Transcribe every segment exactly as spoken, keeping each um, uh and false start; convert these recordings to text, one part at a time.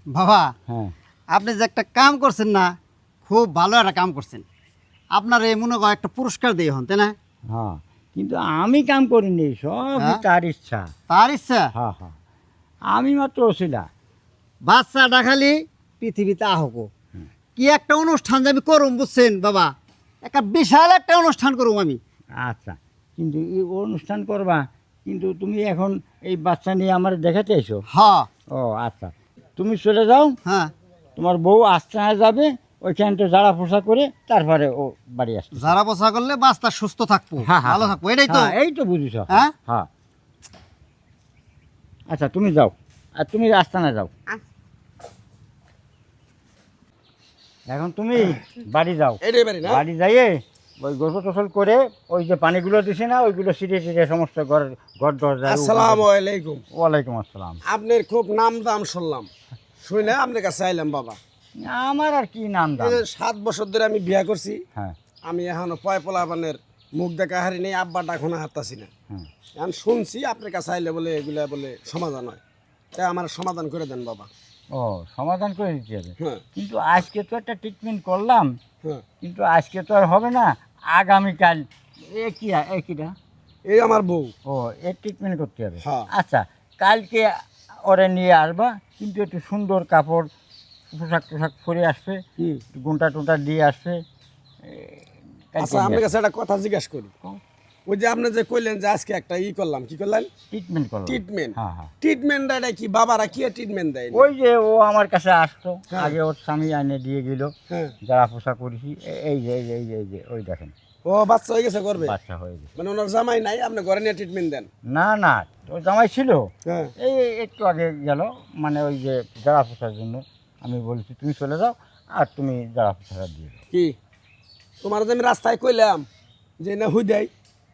বাবা হ্যাঁ আপনি যে একটা কাম করছেন না, খুব ভালো একটা কাম করছেন। আপনার এই মনে হয় একটা পুরস্কার দিয়ে হন, তাই না? হ্যাঁ, কিন্তু আমি কাম করিনি, সবই হ্যাঁ? তার ইচ্ছা। তার ইচ্ছা। হ্যাঁ হ্যাঁ, আমি মাত্র ওসিলা। বাচ্চাটা খালি পৃথিবীতে আহক, কি একটা অনুষ্ঠান যে আমি করুম, বুঝছেন বাবা? একটা বিশাল একটা অনুষ্ঠান করুম আমি। আচ্ছা, কিন্তু এই অনুষ্ঠান করবা, কিন্তু তুমি এখন এই বাচ্চা নিয়ে আমার দেখাতে এসো? হ্যাঁ ও আচ্ছা, তুমি চলে যাও, হ্যাঁ। তোমার বউ আস্তানায় যাবে, ওইখানটা জাড়া পোষা করে তারপরে ও বাড়ি আসবে। যারা বসা করলে বাচ্চা সুস্থ থাকবো, হ্যাঁ, হ্যাঁ, ভালো থাকবো, এটাই তো। হ্যাঁ, এই তো বুঝিস। হ্যাঁ? হ্যাঁ, আচ্ছা তুমি যাও, আর তুমি আস্তানায় যাও। এখন তুমি বাড়ি যাও, এটাই বাড়ি না? বাড়ি যাইয়ে ওই গোসল টোসল করে ওই যে পানিগুলো দিছে না, ওইগুলো ছিটিয়ে ছিটিয়ে সমস্ত ঘর ঘর দরজা। আসসালামু আলাইকুম। ওয়ালাইকুম আসসালাম। আপনার খুব নাম দাম শুনলাম, শুনে আপনার কাছে আইলাম বাবা। আমার আর কি নাম দাম। এই যে সাত বছর ধরে আমি বিয়া করছি, হ্যাঁ আমি এখনো পয় পোলাপানের মুখ দেখা হারি নেই, আব্বাটা এখনো হারতাছি না। হ্যাঁ, এখন শুনছি আপনার কাছে আইলে বলে এগুলা বলে সমাধান হয়, তাই আমার সমাধান করে দেন বাবা। ও সমাধান করে দিতে হবে, হ্যাঁ কিন্তু আজকে তো একটা ট্রিটমেন্ট করলাম, হ্যাঁ, কিন্তু আজকে তো আর হবে না, আগামীকাল। এ কি এ কিটা? এই আমার বউ। ও এর ট্রিটমেন্ট করতে হবে। হ্যাঁ। আচ্ছা, কালকে ওরে নিয়ে আসবা, কিন্তু একটু সুন্দর কাপড় পোশাক টোশাক পরে আসবে, হুম। গুন্টা টুন্টা দিয়ে আসবে। এ, কালকে আচ্ছা আপনার কাছে একটা কথা জিজ্ঞাসা করি, ওই যে আপনি যে কইলেন যে আজকে একটা ই করলাম, কি করলেন? ট্রিটমেন্ট করলাম। ট্রিটমেন্ট। হ্যাঁ হ্যাঁ, ট্রিটমেন্ট এটা কি বাবারা কি ট্রিটমেন্ট দেয়? ওই যে ও আমার কাছে আসতো, হ্যাঁ। আগে ওর স্বামী এনে দিয়ে গেল, হ্যাঁ। যারা পোশাক করেছি, এ- এই যে এই যে এই যে এই যে ওই দেখেন ও বাচ্চা হয়ে গেছে, করবে? বাচ্চা হয়ে গেছে। মানে ওনার জামাই নাই, আপনি ঘরে নিয়ে ট্রিটমেন্ট দেন? না না, ওর জামাই ছিল, হ্যাঁ। এই একটু আগে গেল, মানে ওই যে যারা পোশার জন্য আমি বলেছি তুমি চলে যাও, আর তুমি যারা পোশাক দিয়ে দাও। কি তোমার যে আমি রাস্তায় কইলাম যে না হুদাই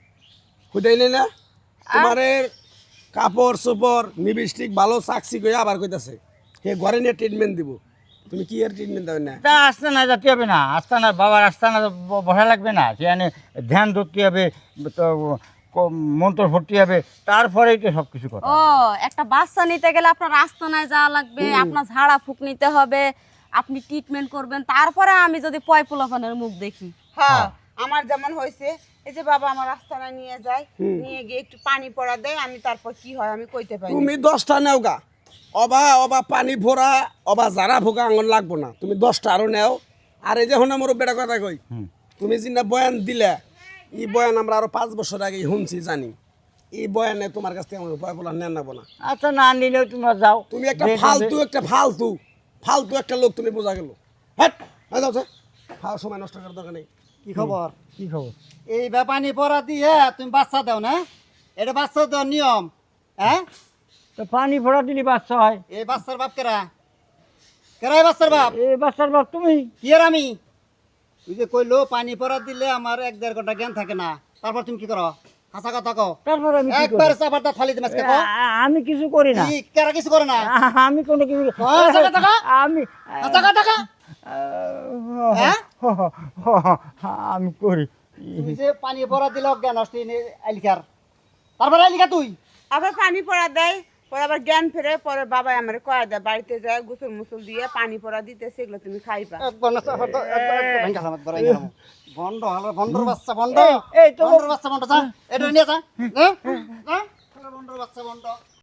হুদাই নেই না, তোমারে কাপড় চোপড় নিবিষ্টিক ভালো চাকসি কই আবার কইতাছে হে ঘরে নিয়ে ট্রিটমেন্ট দিব, তুমি কি এর ট্রিটমেন্ট দেবে না? তা আসতে না যেতে হবে না, আসতে না বাবার আসতে না ব- বসা লাগবে না, সেখানে ধ্যান ধরতে হবে, তো ক- মন্ত্র ভর্তি হবে, তারপরেই তো সব কিছু কথা। ও একটা বাচ্চা নিতে গেলে আপনার আস্তানায় যাওয়া লাগবে, আপনার ঝাড়া ফুক নিতে হবে, আপনি ট্রিটমেন্ট করবেন, তারপরে আমি যদি পয় পোলাপানের মুখ দেখি। হ্যাঁ আমার যেমন হয়েছে, এই যে বাবা আমার আস্তানায় নিয়ে যায়, নিয়ে গিয়ে একটু পানি পড়া দেয়, আমি তারপর কি হয় আমি কইতে পারি না। তুমি দশটা নেও গা, অবা অবা পানি ভরা অবা যারা ভোগা আঙন লাগবো না, তুমি দশটা আরো নেও। আর এই যে হন আমার বেটা কথা কই, তুমি যিনা বয়ান দিলে, এই বয়ান আমরা আরো পাঁচ বছর আগে শুনছি জানি, এই বয়ানে তোমার কাছ থেকে আমার ভয় বলা নেন নেবো না। আচ্ছা, না নিলেও তোমরা যাও। তুমি একটা যে- ফালতু একটা ফালতু ফালতু একটা লোক, তুমি বোঝা গেল। হ্যাঁ যাও স্যার, খাওয়ার সময় নষ্ট করার দরকার নেই। কি খবর? কি খবর? এই ব্যাপানি পড়া দিয়ে তুমি বাচ্চা দাও না, এটা বাচ্চা দেওয়ার নিয়ম। হ্যাঁ, তো পানি ভরা দিলি বাচ্চা হয়? এই বাচ্চার বাপ কেরা? কেরাই বাচ্চার বাপ? এ বাচ্চার বাপ তুমি? কি আর আমি? তুই যে কইলো পানি পড়া দিলে আমার এক দেড় ঘন্টা জ্ঞান থাকে না, তারপর তুমি কি করো? হাসা কথা কও, তারপর আমি কি করি? একবার চাপাটা ফালি দিমাস কে? আ- আ- আমি কিছু করি না, কি কেরা কিছু করে না? আ- আমি কোনো কিছু হাসা কথা কও, আমি হাসা কথা কও। হ্যাঁ? আমি করি। তুই যে পানি পড়া দিলে অজ্ঞান হস তুই আইলিকার, তারপরে আইলিকা তুই। আবার পানি পড়া দেয়, পরে আবার জ্ঞান ফেরে, পরে বাবা আমার কয়া দেয় বাড়িতে যায় গোসল মুসল দিয়ে পানি পড়া দিতে, সেগুলো তুমি খাইবা। একবার না চাপাটা একবার একবার ভেঙ্গা সামাত বড়াই গেলাম। বন্ধ হলো, বন্ধর বাচ্চা বন্ধ। এই, এই তো- বন্ধর বাচ্চা বন্ধ, যা এটা নিয়ে যা। হ্যাঁ? যা, বন্ধর বাচ্চা বন্ধ।